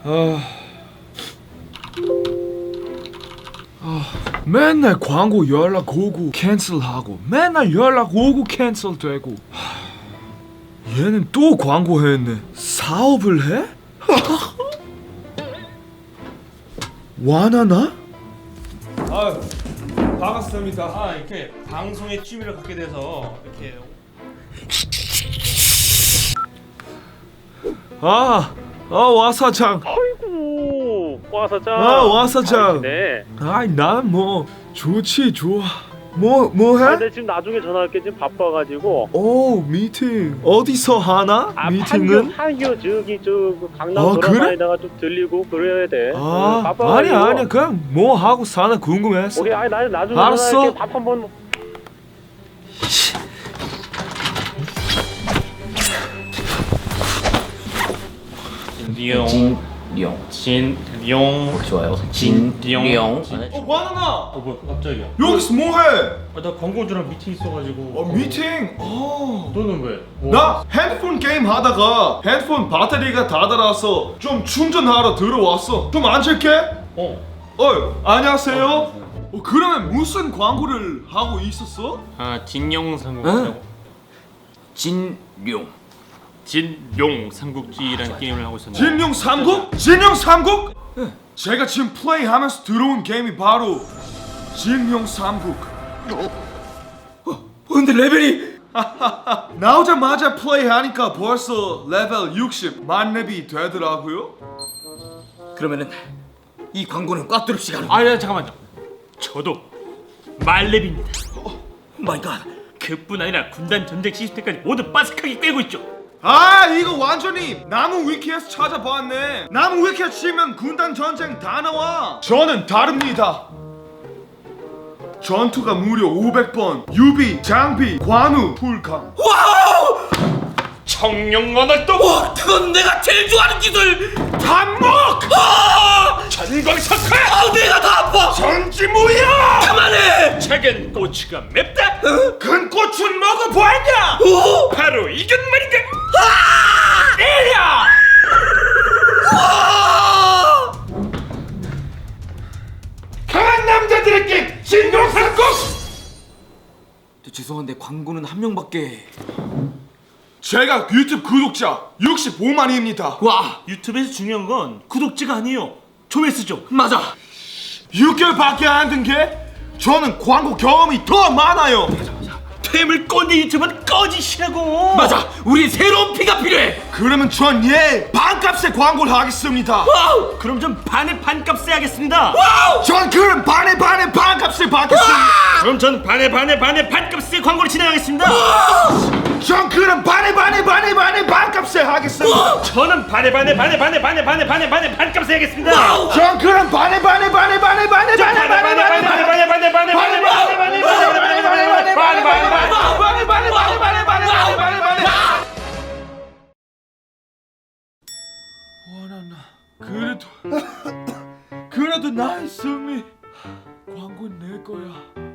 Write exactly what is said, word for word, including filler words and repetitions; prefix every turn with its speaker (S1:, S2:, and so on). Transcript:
S1: 아, 아, 맨날 광고 연락 오고 캔슬하고 맨날 연락 오고 캔슬되고. 하, 얘는 또 광고했네. 사업을 해? 와나나?
S2: 아, 반갑습니다. 아, 이렇게 방송에 취미를 갖게 돼서 이렇게
S1: 아, 아 와사장.
S3: 아이고 와사장.
S1: 아 와사장.
S3: 네.
S1: 아이 난 뭐 좋지 좋아. 뭐 뭐
S3: 아,
S1: 해?
S3: 근데 지금 나중에 전화할게. 지금 바빠가지고.
S1: 오 미팅 어디서 하나?
S3: 아,
S1: 미팅은?
S3: 판교, 판교 저기 저 강남
S1: 아, 그래?
S3: 돌아다니다가 좀 들리고 그래야 돼. 응,
S1: 아
S3: 바빠가지고.
S1: 아니야 아니야 그냥 뭐 하고 사나 궁금했어.
S3: 오케이, 아니 나 나중에
S1: 알았어.
S3: 전화할게. 밥 한번.
S2: 진룡,
S4: 진룡
S2: 진룡,
S4: 좋아요.
S2: 진룡.
S4: 진룡.
S1: 어 와나나
S2: 어 뭐야 갑자기야?
S1: 여기서 뭐해?
S2: 아, 나 광고주랑 미팅 있어가지고.
S1: 어 미팅. 어.
S2: 너는 왜? 뭐?
S1: 나 핸드폰 게임 하다가 핸드폰 배터리가 다 닳아서 좀 충전하러 들어왔어. 좀 앉을게.
S2: 어.
S1: 어 안녕하세요. 어, 그러면 무슨 광고를 하고 있었어?
S2: 아, 진룡 삼국지라고.
S4: 진룡.
S2: 진룡 삼국지라는 게임을 하고 있었는데.
S1: 진룡 삼국? 진룡 삼국? 제가 지금 플레이하면서 들어온 게임이 바로 진룡 삼국. 어, 근데 레벨이 나오자마자 플레이하니까 벌써 레벨 육십 만렙이 되더라고요.
S4: 그러면은 이 광고는 꽉 두릅 시간.
S2: 아, 야, 잠깐만요. 저도 말렙입니다.
S4: 마이 갓.
S2: 그뿐 아니라 군단 전쟁 시스템까지 모두 빠삭하게 꿰고 있죠.
S1: 아 이거 완전히 나무 위키에서 찾아봤네. 나무 위키에 치면 군단 전쟁 다 나와. 저는 다릅니다. 전투가 무려 오백 번, 유비, 장비, 관우, 불강.
S2: 청룡만월도
S4: 와, 그건 내가 제일 좋아하는 기술.
S1: 반목!
S4: 아!
S2: 전광석화
S4: 아, 내가 다 아파.
S1: 전지무야!
S4: 그만해.
S2: 작은 고추가 맵다.
S1: 큰 꽃은 먹어보았냐?
S4: 오!
S2: 바로 이건 말인가.
S1: 때려!
S4: 아!
S1: 강한 남자들에게 진동삼국!
S4: 저 죄송한데 광고는 한 명밖에.
S1: 제가 유튜브 구독자 육십오만입니다.
S4: 와,
S2: 유튜브에서 중요한 건 구독자가 아니에요. 조회수죠.
S4: 맞아.
S1: 육 개월밖에 안 된 게 저는 광고 경험이 더 많아요.
S2: 퇴물 꼰대 유튜브는 꺼지시라고.
S4: 맞아. 우리 새로운 피가 필요해.
S1: 그러면 전 얘 반값에 광고를 하겠습니다.
S4: 와우.
S2: 그럼 좀 반의 반값에 하겠습니다.
S4: 와우.
S1: 전 그럼 반에 반에 반값에 받겠습니다.
S2: 그럼 전 반의 반의 반의 반값에 광고를 진행하겠습니다.
S1: 전 그럼 반에 반에 반에 반에 반값에 하겠습니다.
S2: 저는 반의 반의 반의 반의 반의 반의 반의 반의 반값에 하겠습니다.
S1: 전 그럼 반에 반에 반에 반에 반에 반에 반에 반에 반에 반에
S2: 반의 반의 반의 반의 반의 반의 반의 반의 반의 반의 반의
S1: 그래도 그래도 나의 승리. 광고는 내 거야.